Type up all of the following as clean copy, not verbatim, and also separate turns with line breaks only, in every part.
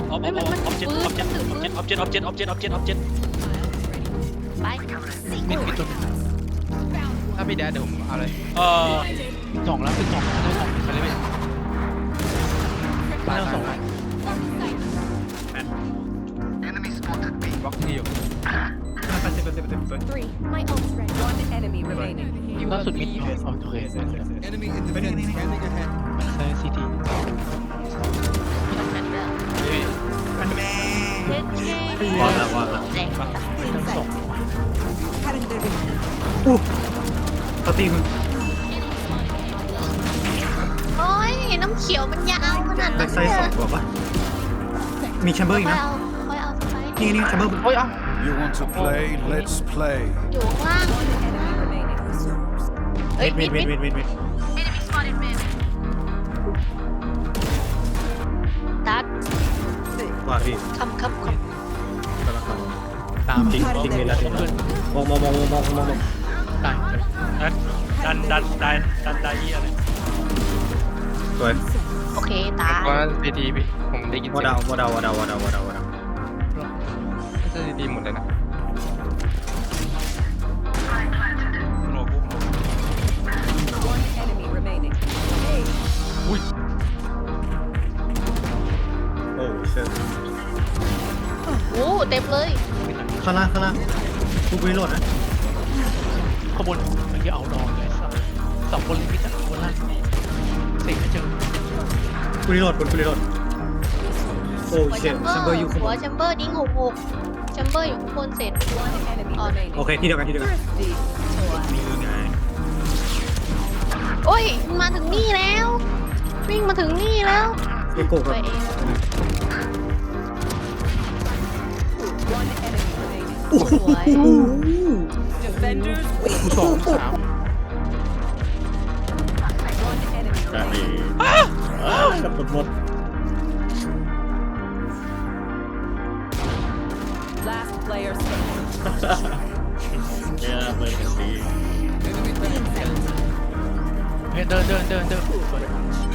ออบเจ็ต
ไป
มีตัวนึงถ้าพี่แดดเดี๋ยวผมเอาเลยสองแล้วเป็นสองได้สองไปเลยไม่ได้สองบล็อกที่อยู่ล่าสุดมิดโอเคใช่ซีที
มันแม่เด็ดเท่
วางแล้ว
แรงปะ
ทั้งสอง
เขาตีมึง
โอ้ยน้ำเขียวมันยาวขนาด
แบ็
นั้
คน ไซด์สองตัวปะมีแชมเบอร์อีกนะ
ค่อยเอาไป
นี่แชมเบอร์
โอ้ยเอ้า
You want to play? Let's play.
อยู่ข้างล่างเอ้ย
เวท
ดัด
ว่าพี่
คำ
ตาม
จริงเลยแล้วมอง
ตาย
ดันได้อะไร
สวย
โอเคตาย
ว่าซีทีพี่ผมได้ยิน
วอดาว
น่าจะซีทีหมดเลยนะ
โนกุ
โอ้เชิญ
โอ้เต็มเลย
ข้างล่างกูรีโหลดนะ
ข้างบนมันจะเอาดองเลยสองคนเลยพี่จักรคนล่างเสกไม่เจอ
กูรีโหลดโอ้เชิญแชมเบอร์อยู่ข้างบ
หัวน แชมเบอร์ดิ้ง6แชมเบอร์อยู่ข้างบนเสร็จอ๋อ
โอเคที่เดียวกันมีไง
โอ้ยมาถึงนี่แล้ว วิ่งมาถึงนี่แล้ว
เอโก้
ไป
กับ
เอง
โอ้โห
สวย
สองสาม
กับหมด
Last player standing.
เนี่ยเปิดกันดี
เดินสวย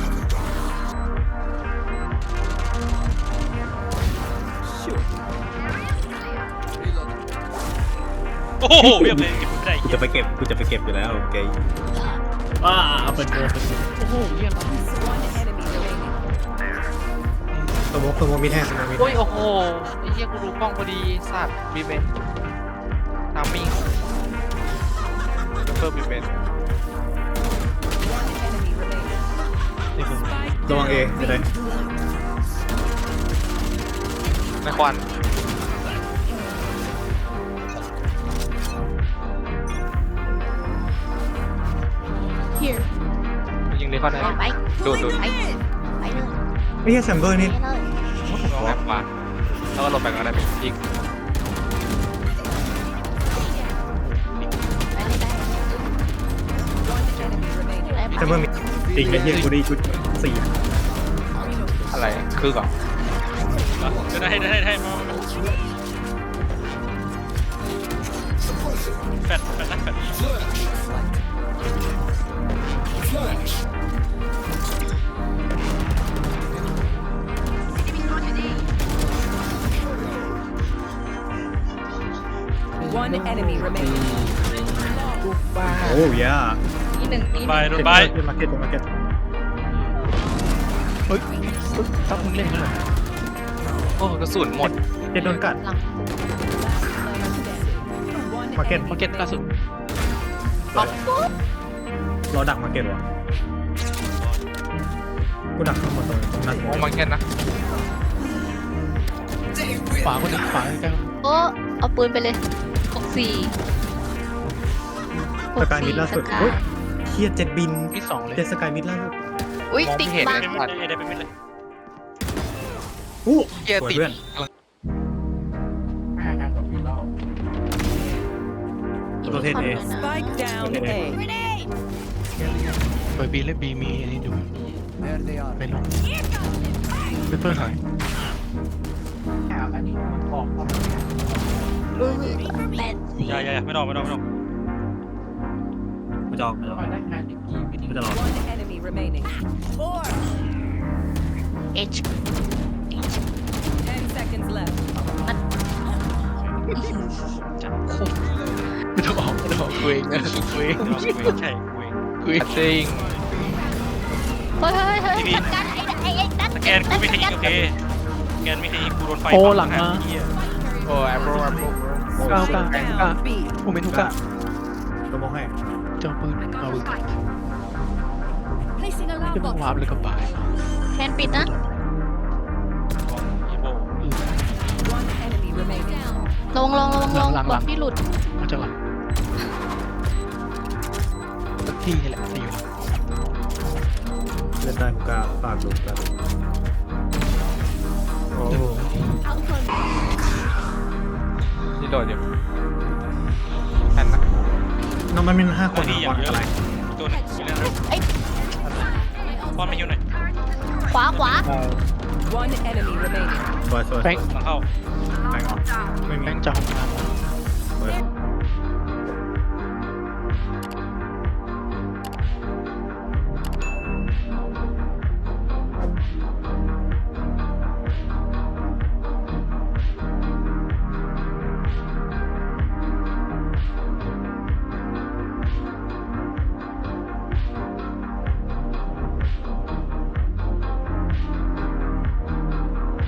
โอ้โหเรียบเลยเก็บไม่ได้
กูจะไปเก็บอยู่แล้วโอเคเปิดโก
โอ้โหเยี่ยม
One enemy remaining.
สมมติมีแท้สมมติมี
โอ้ยโอ้โหไอ้เหี้ยกูดูกล้องพอดีสัตว์บีเบนทามมิ่งเพิ่มบีเบน
One enemy remaining.
ระวังเอจะได้
ในควัน
here
ยิงในควันได้
ไป
ดูด
ไปเลย
ไม่ใช่แชมเบอร์นี่
ไปเลย
ลองแบบขวาแล้วก็ลงไปก็ได้เป็นยิง
ไปเลยได้
One enemy remaining.
แชมเบอร์มีจริงไอ้เหี้ยกูได้ชุด4
อะไรคือก่อน
ได้มาแฟดนะแฟด
One enemy remaining.
โอ้ยา
อีหนึ่ง
โดนใบ
มาเก็ต
เฮ้ยต้องมึงเล่นด้วยโอ้กระสุนหมด
เจ็ดโดนกัด
หลัง
One
มาเก็ต
มาเก็ตล่าสุด
ออกปุ๊บ
เราดักมาเก็ตวะกูดักทั้งหมดตรงนั้น
มองมาเก็ตนะขวาคนหนึ่งขวาใกล้
โอ้เอาปืนไปเลย64
สกายมิดล่าสุดเฮ้ยเฮียเจ็ดบิน
ที่สองเลย
เจ็ดสกายมิดล่าสุด
อุ้ย
มอง
ติด
ไม่เห็น
บัง
เลย
เป็นมิดเลย
อู้
เกียร์ติด
เพื่อน ตัวเทศเอ
Spike down A.
เปิดบีและบีมีอันนี้ดูไปลงเปเปอร์หาย
อย่าไม่ต้อง
กูจะออกกูจะรอ
One enemy remaining. Four.
H
left.
ไม่ต้องออกกูเองนะกูเอง
เดี๋ยวกูเองใช่กูเอง
กูเองจริง
เฮ้ยเฮ้ย
ทีนี้
สกัดไอ้นัท
สแกนกูไม่เคยยิงโอเคสแกนไม่เคยยิงกูโดนไฟ
โอ้หลังมา
เหี้ย
โอ้แอปเปิล
Spike
กล้า
down B.
ผมเป็นทุกกะ
ตัวมองให้
เจ้าปืนเอาปืนจะมาวาร์ปเลยกับบาย
แคนปิดนะ
อีโบ
One enemy remaining.
ลงบอกที่หลุด
มาจากหลังสักที่นี่แหละจะอยู่หลัง
เล่นได้กูกล้าฝากดูกันโอ้
นี่โดดอยู่แผ่นนะ
น้องมันเป็น5 ค
ตัวน นี้อย่างเยอะ
อะไร
เลยตัวหนึงมีเรื่องอะไร
ไอ้
ป้อนไม่อยู่หน่อย
ขวา
One enemy remaining.
สวย
แบงค์
หลังเข้า
แบงค์ออกไม่มี
แบงค์จะห้องน้